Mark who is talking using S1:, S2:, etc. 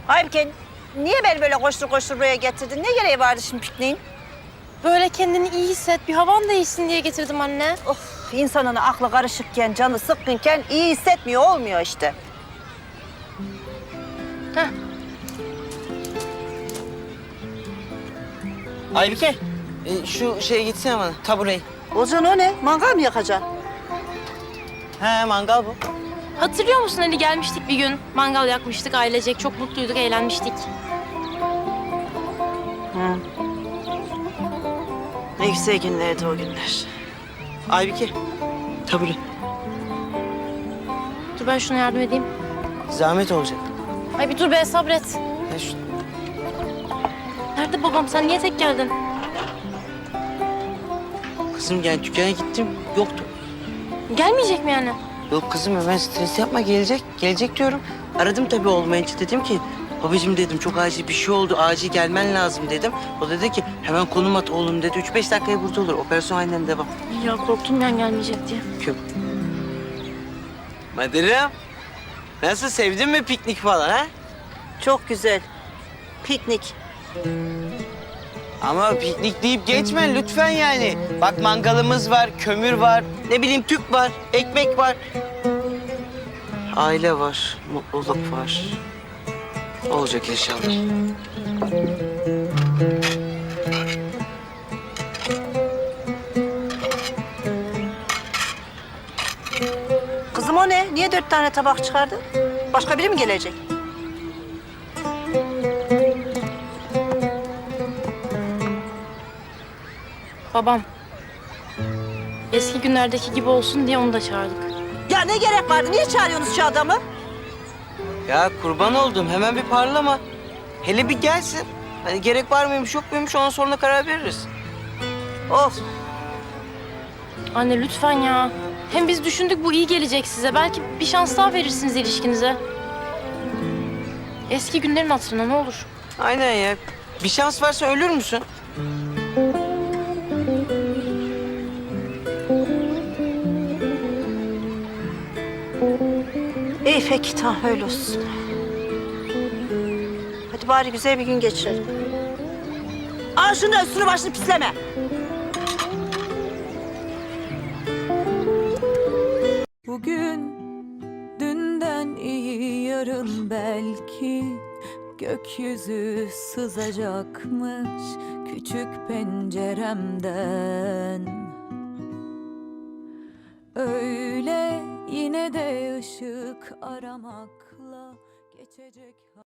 S1: Halbuki niye beni böyle koştur koştur buraya getirdin? Ne gereği vardı şimdi pikniğin?
S2: Böyle kendini iyi hisset, bir havan değişsin diye getirdim anne.
S1: Of, insanın aklı karışıkken, canı sıkkınken iyi hissetmiyor, olmuyor işte.
S2: Heh.
S3: Aybike, şu şeye gitsene bana, tabureyi.
S1: Ozan o ne? Mangal mı yakacaksın?
S3: He, mangal bu.
S2: Hatırlıyor musun Ali, gelmiştik bir gün. Mangal yakmıştık ailecek, çok mutluyduk, eğlenmiştik.
S1: Hı. Ne güzel günlerdi o günler.
S3: Aybike, tabure.
S2: Dur ben şuna yardım edeyim.
S3: Zahmet olacak.
S2: Ay bir dur be, sabret.
S3: Ya şu...
S2: Nerede babam, sen niye tek geldin?
S3: Kızım yani dükkana gittim, yoktu.
S2: Gelmeyecek mi yani?
S3: Yok kızım hemen stres yapma, gelecek. Gelecek diyorum. Aradım tabii olmayınca, dedim ki... Babacığım dedim, çok acil bir şey oldu, acil gelmen lazım dedim. O dedi ki hemen konum at oğlum dedi. 3-5 dakikaya burada olur, operasyon aynen devam.
S2: Ya korktum ben gelmeyecek diye.
S3: Kim? Madırım. Nasıl, sevdin mi piknik falan ha?
S1: Çok güzel. Piknik.
S3: Ama piknik deyip geçme lütfen yani. Bak mangalımız var, kömür var, ne bileyim tüp var, ekmek var. Aile var, mutluluk var. Olacak inşallah.
S1: Kızım o ne? Niye 4 tane tabak çıkardı? Başka biri mi gelecek?
S2: Babam. Eski günlerdeki gibi olsun diye onu da çağırdık.
S1: Ya ne gerek vardı? Niye çağırıyorsunuz şu adamı?
S3: Ya kurban oldum, hemen bir parlama. Hele bir gelsin. Hani gerek var mıymış yok muymuş, ondan sonra karar veririz.
S1: Of.
S2: Anne lütfen ya. Hem biz düşündük bu iyi gelecek size. Belki bir şans daha verirsiniz ilişkinize. Eski günlerin hatırına ne olur.
S3: Aynen ya. Bir şans varsa ölür müsün?
S1: İyi peki tamam öyle olsun. Hadi bari güzel bir gün geçirelim. Al şunu da üstünü başını pisleme.
S4: Bugün dünden iyi yarın belki gökyüzü sızacakmış küçük penceremden. Öyle yine de ışık aramakla geçecek.